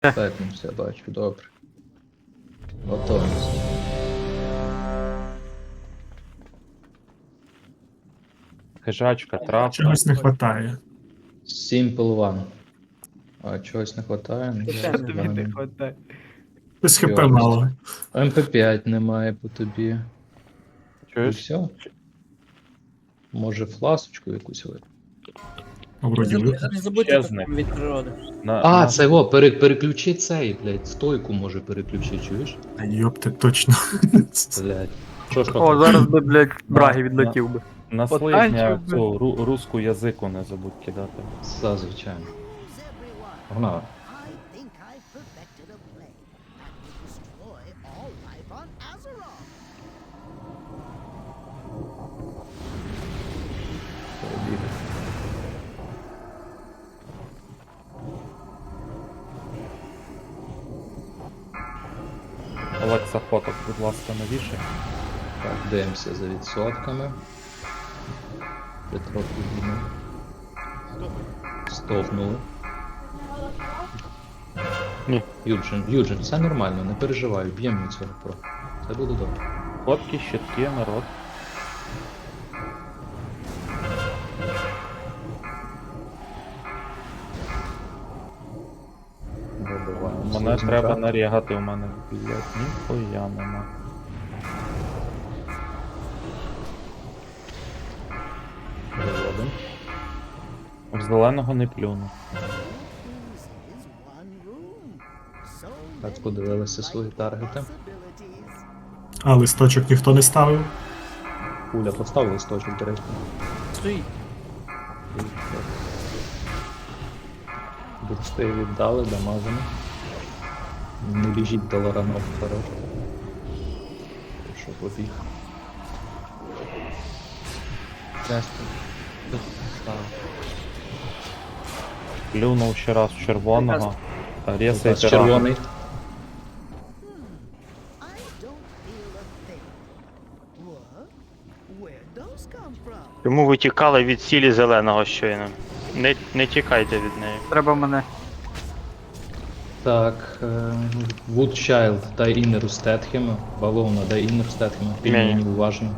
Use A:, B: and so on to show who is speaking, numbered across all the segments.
A: Пепнувся, бачу, добре. Готовність.
B: Хижачка, травка.
C: Чогось не вистачає.
A: Simple One. А чогось не вистачає? Ну,
D: Що тобі не хватає?
C: Без хп
A: Йо.
C: мало.
A: МП5 немає по тобі. І
B: Чуєш?
A: все? Може фласочку якусь ви?
C: Вроді ви.
D: Не забудьте
B: Чесник.
D: від природи.
A: А, це його, переключи цей, блядь, стойку може переключи, чуєш?
C: Та йопте, точно.
A: Блядь. Що ж
E: О, зараз би, блядь, браги відлетів би.
B: На
D: Потанчив
B: слизня
D: би.
B: цю русську язику не забудь кидати.
A: Все, звичайно. Погнали.
F: I think I've perfected a plan that will destroy all life on Azeroth.
B: Олекса фоток, будь ласка, навішай.
A: Так, дивимося за відсотками. Петро підійме. Стовнули.
B: Ні.
A: Юджин, все нормально, не переживай, б'ємо від цього про. Все буде добре.
B: Фотки, щитки, народ.
A: Добиваємо.
B: Мене
A: слизника.
B: треба нарігати, у мене, блядь, ніхуя нема.
A: Переводимо.
B: В зеленого не плюну.
F: This is one room. So
A: Так,
F: many
A: подивилися свої таргети.
F: possibilities.
C: А листочок ніхто не ставив.
A: Пуля поставила листочок, до речі.
D: Стоїть.
A: Бурсти віддали, дамажимо. Не біжіть до Лоранов вперед. Що побіг.
B: Плюнув ще раз в червоного. Рєсай
A: Лукас червоний.
F: I don't feel a thing. What? Where'd those come from?
E: Тому ви тікали від сілі зеленого щойно. Не тікайте від неї. Треба мене.
A: Так, Woodchild, дай інеру Стетхема. Бавовна, дай інер Стетхема. Пільмені уважно.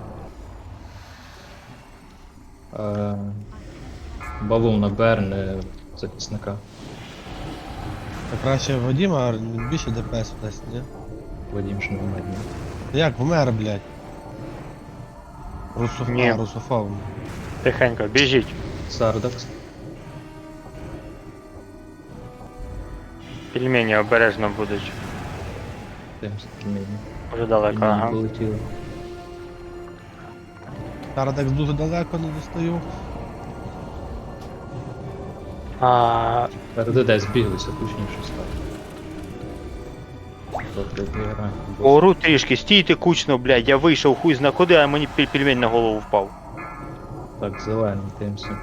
A: Бавовна Берн, захисника.
G: Та краще Вадима більше ДПС дасть, ні?
A: Вадим ж не вмер.
G: Як вмер, блядь?
E: Ні.
G: Русофов.
E: Тихенько, біжіть.
A: Сардакс.
E: Пельмені обережно будуть.
A: Дивимося пільмені.
E: Вже далеко,
A: Пільмені
E: ага.
A: полетіли.
G: Тарадекс дуже далеко не достаю.
A: РДД збіглися, точніше стало. Добре, грає.
E: Ору трішки, стійте кучно, блядь, я вийшов хуй зна куди, а мені пельмень на голову впав.
A: Так, зелений, дивимося.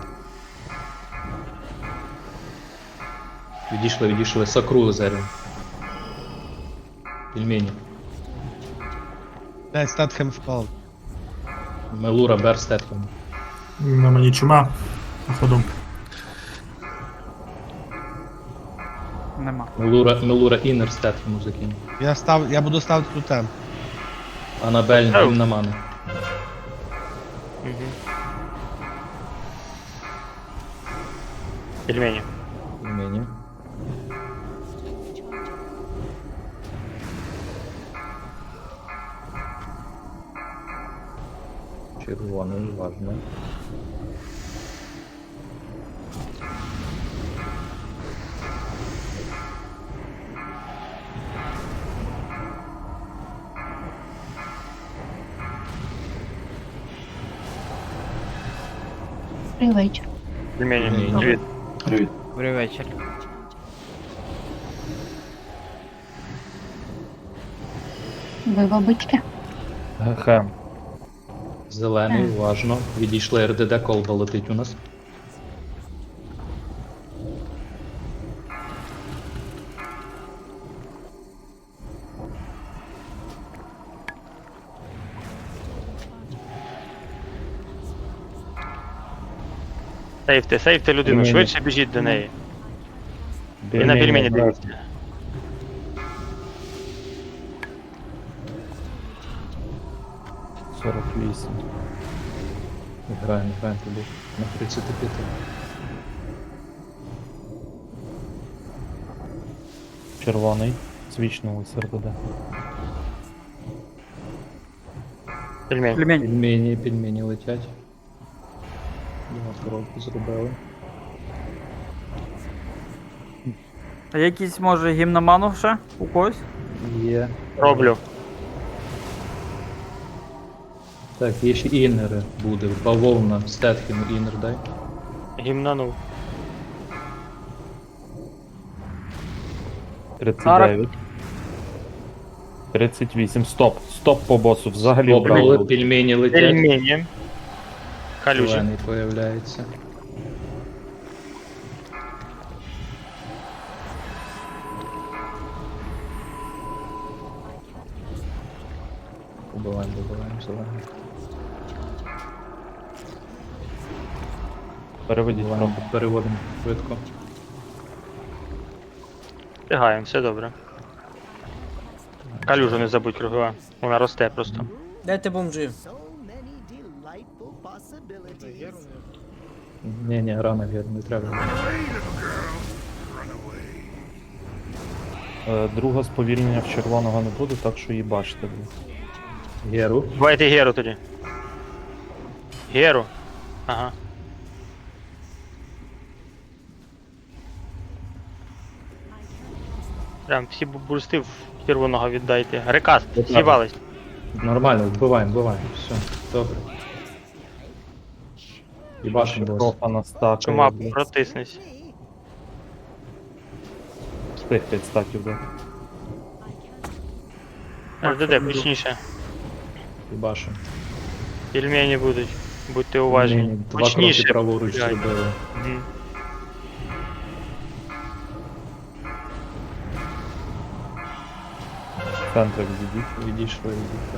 A: Відійшли, сакрули зерен. Пельмені.
G: Блядь, Статхем впав.
A: Мелура, Бер, Стетхем.
C: На мені чума. Походу.
E: Нема.
A: Мелура інер Стетхему закинув.
G: Я буду ставити тутем.
A: Анабель, він на мани.
E: Пельмені.
A: Пельмені. Червоний, важно.
H: Добрий вечір.
E: Пельмені.
A: Пельмені.
E: Привіт.
D: Добрий вечір.
H: Ви бабички?
B: Хем.
A: Зелений, уважно. Відійшли РДД, колба летить у нас.
E: Сейфте людину,
B: Пельмені.
E: швидше біжіть до неї. І
B: Пельмені
E: на пельмені
B: обережно.
E: дивіться.
B: 48.
A: Граємо тобі. На 35.
B: Червоний. Свічнули СРД.
E: Пельмень.
D: Пельмень.
A: Пельмені летять. Два кроки зробили.
D: А якийсь може гімноману ще у когось?
A: Є.
E: Роблю.
A: Так, є ще інери буде. Бавовна, Стетхему інер дай.
E: Гімнанув.
B: 39. 38. Стоп. Стоп по босу. Взагалі
A: Обрали,
B: убрали.
A: пельмені летять.
E: Пельмені. Калюжі.
A: Зелений появляється. Добиваємо зелений.
B: Переведіть трохи.
A: Переводимо швидко.
E: Встигаємо, все добре. Калюжу не забудь кругова. Вона росте просто.
I: Дайте бомжі.
F: So many delightful possibilities.
A: Ні, рано вірно, не треба.
B: Друге сповільнення в червоного не буде, так що їбачте.
A: Геру.
E: Давайте Геру тоді. Геру. Ага. Прям всі бурсти в червоного віддайте. Рекаст, з'їбались.
A: Нормально, вбиваємо. Все, добре. Їбашим бос.
B: Профа на стакає.
E: Чума,
B: блядь.
E: протиснись.
B: Встиг 5 стаків, да.
E: РДД, гучніше.
A: Їбашим.
E: Пельмені будуть. Будьте уважні.
A: Два кроки
E: Гучніше.
A: праворуч
E: блядь.
A: зробили.
E: Мгм.
B: Центрик зійдіть.
A: Відійшли.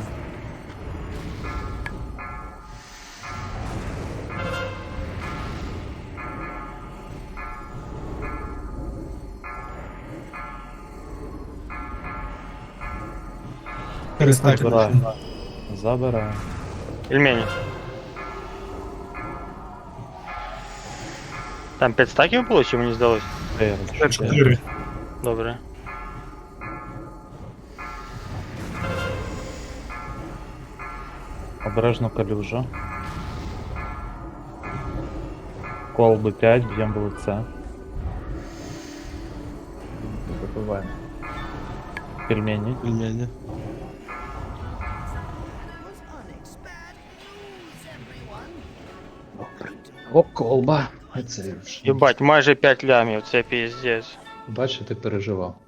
C: Перестати.
B: Забираємо. Забираємо.
E: Пельмені. Там 5 стаків було, чи мені здалось?
C: 4.
E: Добре.
B: Обережно калюжа. Колби 5, б'ємо в лице.
A: Добиваємо.
B: Пельмені.
G: Пельмені.
F: Was unexpected news, everyone.
A: О, колба. Це вже.
E: Єбать, майже 5 лямів, це піздець.
A: Бачиш, ти переживав.